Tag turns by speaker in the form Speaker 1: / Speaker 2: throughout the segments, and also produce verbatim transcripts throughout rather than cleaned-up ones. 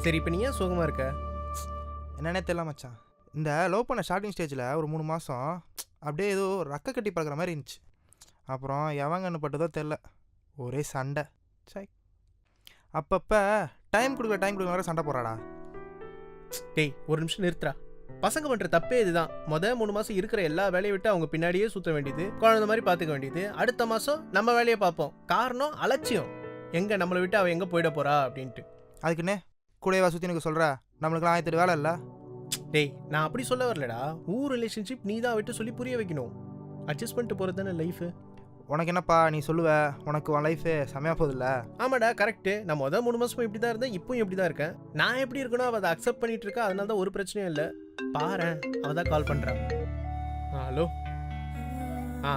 Speaker 1: சரி இப்போ நீ ஏன் சோகமாக இருக்க?
Speaker 2: என்னன்னே தெரியல மச்சான். இந்த லவ் பண்ண ஸ்டார்டிங் ஸ்டேஜில் ஒரு மூணு மாதம் அப்படியே ஏதோ ரக்க கட்டி பார்க்குற மாதிரி இருந்துச்சு. அப்புறம் எவங்கன்னு பட்டதோ தெரில, ஒரே சண்டை. சை, அப்பப்போ டைம் கொடுக்க டைம் கொடுக்க வேறு சண்டை போடுறாடா.
Speaker 1: டேய் ஒரு நிமிஷம் நிறுத்துறா. பசங்க பண்ணுற தப்பே இதுதான். மொதல் மூணு மாதம் இருக்கிற எல்லா வேலையை விட்டு அவங்க பின்னாடியே சுற்ற வேண்டியது, குழந்தை மாதிரி பார்த்துக்க வேண்டியது. அடுத்த மாதம் நம்ம வேலையை பார்ப்போம். காரணம் அலட்சியம். எங்கே நம்மளை விட்டு அவள் எங்கே போயிட போகிறா அப்படின்ட்டு.
Speaker 2: அதுக்குன்னே கூடவா சுற்றி எனக்கு சொல்கிற? நம்மளுக்குலாம் ஆயிரத்து வேலை இல்லை.
Speaker 1: டேய் நான் அப்படி சொல்ல வரலடா. ஊர் ரிலேஷன்ஷிப் நீ தான் விட்டு சொல்லி புரிய வைக்கணும். அட்ஜஸ்ட் பண்ணிட்டு போகிறது தானே லைஃபு.
Speaker 2: உனக்கு என்னப்பா நீ சொல்லுவ, உனக்கு உன் லைஃபு செமையாக போதில்ல?
Speaker 1: ஆமாடா கரெக்டு. நான் மொதல் மூணு மாதமும் இப்படி தான் இருந்தேன், இப்போயும் இப்படி தான் இருக்கேன். நான் எப்படி இருக்கணும் அவள் அதை அக்செப்ட் பண்ணிட்டு இருக்கா. அதனால தான் ஒரு பிரச்சனையும் இல்லை. பாரு அவள் தான் கால் பண்ணுறான். ஹலோ. ஆ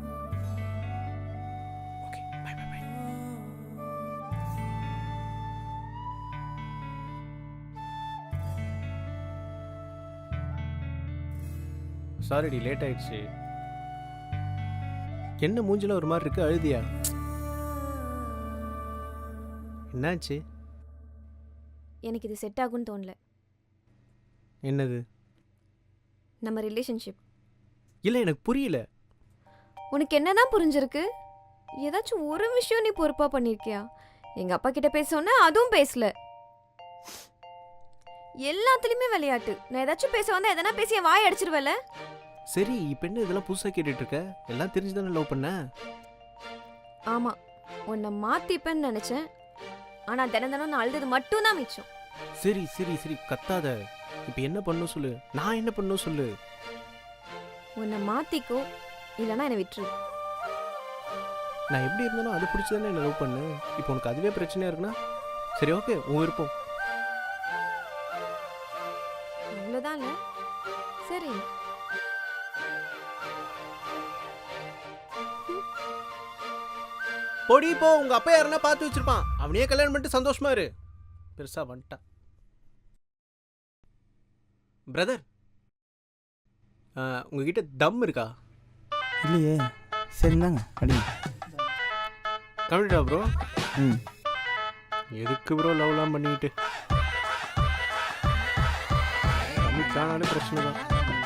Speaker 1: ஓகே பை பை பை. சாரிடி லேட் ஆயிடுச்சு. என்ன மூஞ்சில ஒரு மாதிரி இருக்கு, அழுதியா? என்னாச்சு?
Speaker 3: எனக்கு இது செட் ஆகும்னு தோணல.
Speaker 1: என்னது?
Speaker 3: நம்ம ரிலேஷன்ஷிப்.
Speaker 1: இல்லை எனக்கு புரியல.
Speaker 3: உனக்கு என்னதான் புரிஞ்சிருக்கு? ஏதாச்சும் ஒரு விஷயம் நீ பொறுப்பா பண்ணிருக்கியா? எங்க அப்பா கிட்ட பேச சொன்னா அதுவும் பேசல. எல்லாத்துலயுமே விளையாட்டு. நான் ஏதாச்சும் பேச வந்தா எதனா பேசி என் வாய் அடிச்சிருவல.
Speaker 1: சரி இப்போ என்ன இதெல்லாம் புதுசாக கேட்டுட்டு இருக்க? எல்லாம் தெரிஞ்சுதானே லவ் பண்ண?
Speaker 3: ஆமா, உன்னை மாத்திப்பேன்னு நினைச்சேன். ஆனா தினம் தினம் நான் அழுது மட்டும் தான் மிச்சம்.
Speaker 1: சரி சரி சரி கத்தாத. இப்போ என்ன பண்ணும் சொல்லு, நான் என்ன பண்ணும் சொல்லு.
Speaker 3: உன்னை மாத்திக்கோ, இல்லைன்னா என்னை விட்டுரு.
Speaker 1: நான் எப்படி இருந்தாலும் அது பிடிச்சதானே என்ன லவ் பண்ணு. இப்போ உனக்கு அதுவே பிரச்சனையா இருக்குன்னா சரி ஓகே, உன் விருப்பம்.
Speaker 3: அவ்வளோதான் இல்லை? சரி.
Speaker 1: பொடி போ, உங்க அப்பா யாருன்னா பார்த்து வச்சிருப்பான். அவனையே கல்யாணம் பண்ணிட்டு சந்தோஷமா இரு. பெருசா வந்துட்டான். பிரதர் உங்ககிட்ட தம் இருக்கா?
Speaker 2: இல்லையே. சரிந்தாங்க அடி.
Speaker 1: கம்ப்ளீட்டா ப்ரோ?
Speaker 2: ம்.
Speaker 1: எதுக்கு ப்ரோ லவ்லாம் பண்ணிக்கிட்டு? கம்மிட்டானாலே பிரச்சனை தான்.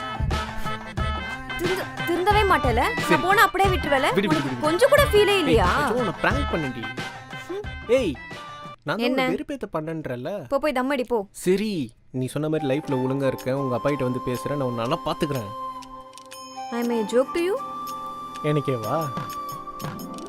Speaker 3: திருந்தவே மாட்டேல. நான் போனா அப்படியே விட்டுருவல. கொஞ்சம் கூட ஃபீலே இல்லையா?
Speaker 1: நான் பிராங்க் பண்ணேன்டி. ஏய் நான் என்ன வெறுப்பேத்த பண்ணன்றல.
Speaker 3: போ போய் தம் அடி போ.
Speaker 1: சரி நீ சொன்ன மாதிரி லைஃப்ல ஒழுங்கா இருக்கேன், உங்க அப்பா கிட்ட வந்து பேசுறேன், நான் உன்னை நல்லா பாத்துக்கிறேன்.
Speaker 3: I may joke to you.
Speaker 1: எனக்கே வா.